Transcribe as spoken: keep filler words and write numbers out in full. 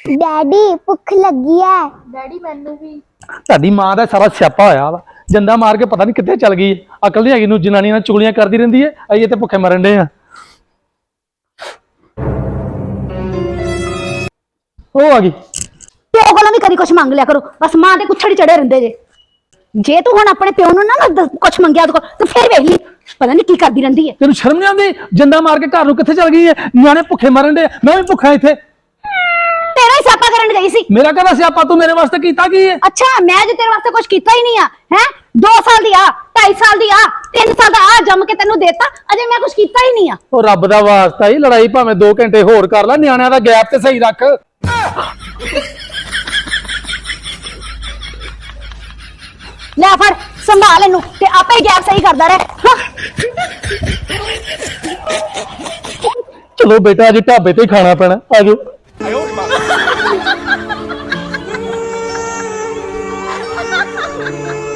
Daddy भुख लगी है। डैडी मैनू भी। ਤੁਹਾਡੀ ਮਾਂ ਦਾ ਸਾਰਾ ਸਿਆਪਾ ਹੋਇਆ ਵਾ ਜੰਦਾ ਮਾਰ ਕੇ ਪਤਾ ਨਹੀਂ ਕਿੱਥੇ ਚਲ ਗਈ ਅਕਲ ਨਹੀਂ ਹੈਗੀ ਨੂੰ ਜਨਾਨੀ ਨਾਲ ਚੁਗਲੀਆਂ ਕਰਦੀ ਰਹਿੰਦੀ ਹੈ ਅਸੀਂ ਇੱਥੇ ਭੁੱਖੇ ਮਰਨ ਡੇ ਆ ਉਹ ਆ ਗਈ ਪਿਓ ਕੋਲੋਂ ਵੀ ਕਦੀ ਕੁਛ ਮੰਗ ਲਿਆ ਕਰੋ ਬਸ ਮਾਂ ਦੇ ਕੁੱਛੜ ਚੜੇ ਰਹਿੰਦੇ ਜੇ ਜੇ ਤੂੰ ਹੁਣ ਆਪਣੇ ਪਿਓ ਨੂੰ ਨਾ ਕੁਛ ਮੰਗਿਆ ਉਹਦੇ ਕੋਲ ਤੇ ਫਿਰ ਵੇਖ ਲਈ ਪਤਾ ਨਹੀਂ ਕੀ ਕਰਦੀ ਰਹਿੰਦੀ ਹੈ ਤੈਨੂੰ ਸ਼ਰਮ ਨਹੀਂ ਆਉਂਦੀ ਜੰਦਾ ਮਾਰ ਕੇ ਘਰ ਨੂੰ ਕਿੱਥੇ ਚਲ ਗਈ ਹੈ ਨਿਆਣੇ ਭੁੱਖੇ ਮਰਨ ਡੇ ਮੈਂ ਵੀ ਭੁੱਖਾ ਇੱਥੇ ਤੇਰਾ ਹੀ ਸਿਆਪਾ ਕਰਨ ਗਈ ਸੀ ਮੇਰਾ ਕਹਿੰਦਾ ਸਿਆਪਾ ਤੂੰ ਮੇਰੇ ਵਾਸਤੇ ਕੀਤਾ ਕੀ ਹੈ ਅੱਛਾ ਮੈਂ ਜੇ ਤੇਰੇ ਵਾਸਤੇ ਕੁਛ ਕੀਤਾ ਹੀ ਨਹੀਂ ਆ ਹੈ ਦੋ ਸਾਲ ਦੀ ਆ ਢਾਈ ਸਾਲ ਦੀ ਆ ਤਿੰਨ ਸਾਲ ਦਾ ਆ ਜੰਮ ਕੇ ਤੈਨੂੰ ਦੇਤਾ ਅਜੇ ਮੈਂ ਕੁਛ ਕੀਤਾ ਹੀ ਨਹੀਂ ਆ ਉਹ ਰੱਬ ਦਾ ਵਾਸਤਾ ਹੀ ਲੜਾਈ ਭਾਵੇਂ ਦੋ ਘੰਟੇ ਹੋਰ ਕਰ ਲੈ ਨਿਆਣਿਆਂ ਦਾ ਗੈਪ ਤੇ ਸਹੀ ਰੱਖ ਲੈ ਫੜ ਸੰਭਾਲ ਇਹਨੂੰ ਤੇ ਆਪੇ ਹੀ ਗੈਪ ਸਹੀ ਕਰਦਾ ਰਹਿ ਚਲੋ ਬੇਟਾ ਅੱਜ ਢਾਬੇ ਤੇ ਹੀ ਖਾਣਾ ਪੈਣਾ ਆਜੋ I